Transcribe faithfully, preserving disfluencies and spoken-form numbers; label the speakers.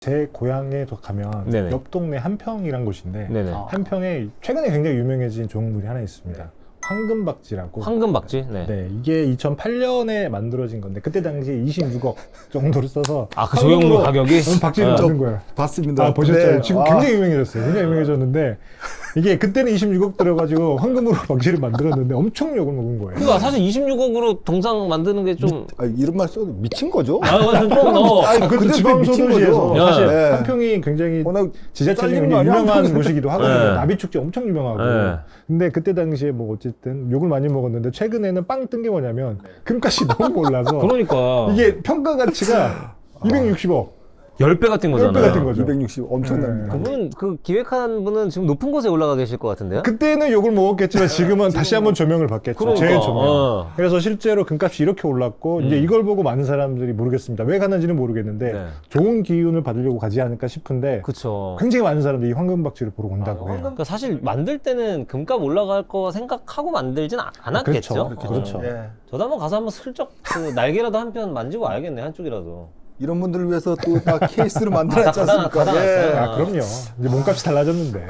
Speaker 1: 제 고향에 도 가면
Speaker 2: 네네.
Speaker 1: 옆 동네 한평이란 곳인데
Speaker 2: 네네.
Speaker 3: 아.
Speaker 1: 한평에 최근에 굉장히 유명해진 종물이 하나 있습니다. 황금박쥐라고.
Speaker 2: 황금박쥐? 네.
Speaker 1: 네, 이게 이천팔 년에 만들어진 건데 그때 당시에 이십육억 정도를 써서
Speaker 2: 아, 그 조형물 가격이?
Speaker 1: 박쥐를
Speaker 2: 네.
Speaker 1: 만든 거예요.
Speaker 3: 봤습니다.
Speaker 1: 아, 보셨죠?
Speaker 3: 네.
Speaker 1: 지금
Speaker 3: 아.
Speaker 1: 굉장히 유명해졌어요. 굉장히 유명해졌는데 이게 그때는 이십육억 들어가지고 황금으로 박쥐를 만들었는데 엄청 욕을 먹은 거예요.
Speaker 2: 그러니까 사실 이십육억으로 동상 만드는 게 좀.
Speaker 3: 아, 이런 말 써도 미친 거죠?
Speaker 2: 아, 좀 너.
Speaker 3: 아니,
Speaker 1: 아, 그것도
Speaker 3: 근데
Speaker 1: 지방소도시에서
Speaker 3: 미친 거죠.
Speaker 1: 사실
Speaker 3: 네.
Speaker 1: 한평이 굉장히
Speaker 3: 워낙
Speaker 1: 지자체 중에
Speaker 3: 잘리는
Speaker 1: 굉장히
Speaker 3: 거 아니야?
Speaker 1: 유명한
Speaker 3: 한평에서.
Speaker 1: 곳이기도 하거든요.
Speaker 2: 네.
Speaker 1: 나비축제 엄청 유명하고.
Speaker 2: 네.
Speaker 1: 근데 그때 당시에 뭐 어쨌든 욕을 많이 먹었는데 최근에는 빵 뜬 게 뭐냐면 금값이 너무 올라서
Speaker 2: 그러니까.
Speaker 1: 이게 평가 가치가 이백육십억,
Speaker 2: 십 배 같은 거잖아요.
Speaker 1: 십 배 같은 거죠.
Speaker 3: 이백육십 엄청납니다.
Speaker 2: 그분, 그 기획한 분은 지금 높은 곳에 올라가 계실 것 같은데요?
Speaker 1: 그때는 욕을 먹었겠지만 지금은 다시 한번 조명을 받겠죠.
Speaker 2: 그러니까.
Speaker 1: 재조명.
Speaker 2: 어.
Speaker 1: 그래서 실제로 금값이 이렇게 올랐고
Speaker 2: 음.
Speaker 1: 이제 이걸 보고 많은 사람들이 모르겠습니다. 왜 가는지는 모르겠는데
Speaker 2: 네.
Speaker 1: 좋은 기운을 받으려고 가지 않을까 싶은데
Speaker 2: 그쵸.
Speaker 1: 굉장히 많은 사람들이 이 황금박쥐를 보러 온다고 해요.
Speaker 2: 그러니까 사실 만들 때는 금값 올라갈 거 생각하고 만들진 아- 않았겠죠?
Speaker 1: 그렇죠. 그렇죠.
Speaker 2: 어.
Speaker 3: 예.
Speaker 2: 저도 한번 가서 한번 슬쩍 그 날개라도 한 편 만지고 와야겠네, 한쪽이라도.
Speaker 3: 이런 분들을 위해서 또 다 케이스를 만들었지
Speaker 2: 아, 다
Speaker 3: 않습니까?
Speaker 2: 가다- 가다 놨어요.
Speaker 1: 아, 그럼요. 이제 몸값이 달라졌는데.